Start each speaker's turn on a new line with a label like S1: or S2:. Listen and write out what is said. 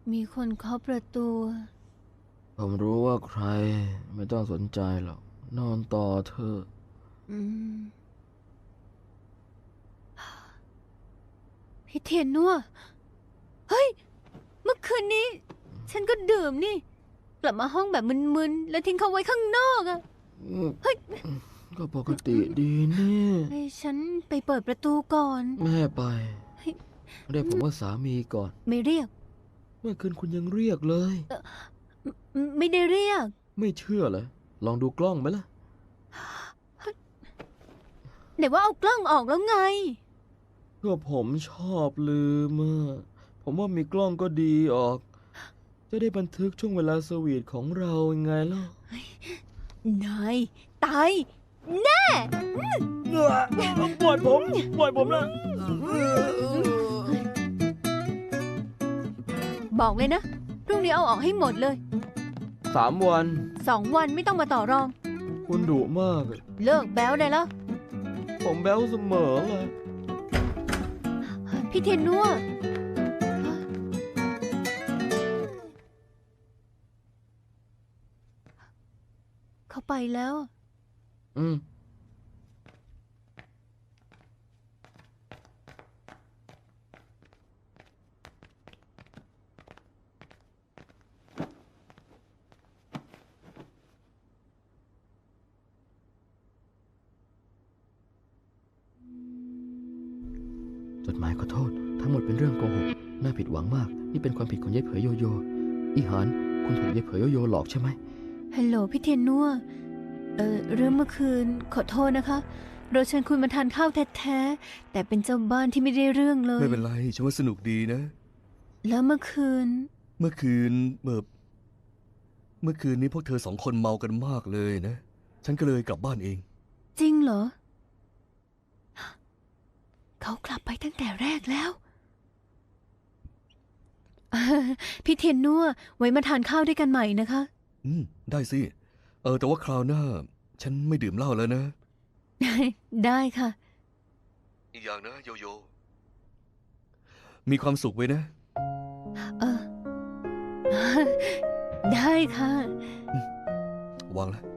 S1: มีคนเคาะประตู
S2: ผมรู้ว่าใครไม่ต้องสนใจหรอกนอนต่อเถอะ
S1: อืม พี่เทียนนัวเฮ้ย เมื่อคืนนี้ ฉันก็ดื่มนี่ กลับมาห้องแบบมึนๆ แล้วทิ้งเขาไว้ข้างนอกอะเฮ้ย
S2: ก็ปกติดีนี่
S1: ให้ฉันไปเปิดประตูก่อน
S2: แม่ไปเรียกผมว่าสามีก่อน
S1: ไม่เรียก
S2: เมื่อคืนคุณยังเรียกเลย
S1: ไม่ได้เรียก
S2: ไม่เชื่อเหรอลองดูกล้องไหมล่ะ
S1: ไหนว่าเอากล้องออกแล้วไง
S2: ก็ผมชอบลืมอะผมว่ามีกล้องก็ดีออก จะได้บันทึกช่วงเวลาสวีทของเรายังไงล่ะ
S1: นาย ตาย แน่
S2: ปล่อยผมนะ
S1: บอกเลยนะ พรุ่งนี้เอาออกให้หมดเลย
S2: 3 วัน
S1: 2 วันไม่ต้องมาต่อรอง
S2: คุณดุมากอะ
S1: เลิกแบ้วได้แล้ว
S2: ผมแบ้วเสมอเลย
S1: พี่เทียนนัวเขาไปแล้ว
S2: อืมจดหมายขอโทษ ทั้งหมดเป็นเรื่องโกหก น่าผิดหวังมาก นี่เป็นความผิดของยายเผยโยโย่อีหานคุณถูกยายเผยโยโย่หลอกใช่ไหม
S1: ฮัลโหลพี่เทียนนัวเรื่องเมื่อคืนขอโทษนะคะ เราเชิญคุณมาทานข้าวแท้ๆ แต่เป็นเจ้าบ้านที่ไม่ได้เรื่องเลย
S3: ไม่เป็นไรฉันว่าสนุกดีนะ
S1: แล้วเมื่อคืน
S3: เมื่อคืนนี้พวกเธอ2 คนเมากันมากเลยนะ ฉันก็เลยกลับบ้านเอง
S1: จริงเหรอ เขากลับไปตั้งแต่แรกแล้ว พี่เทียนนัวไว้มาทานข้าวด้วยกันใหม่นะคะ
S3: ได้สิ แต่ว่าคราวหน้า ฉันไม่ดื่มเหล้าแล้วนะ
S1: ได้ค่ะ
S3: อีกอย่างนะโยโย่มีความสุขไว้นะ
S1: เออ ได้ค่ะ
S3: วางแล้ว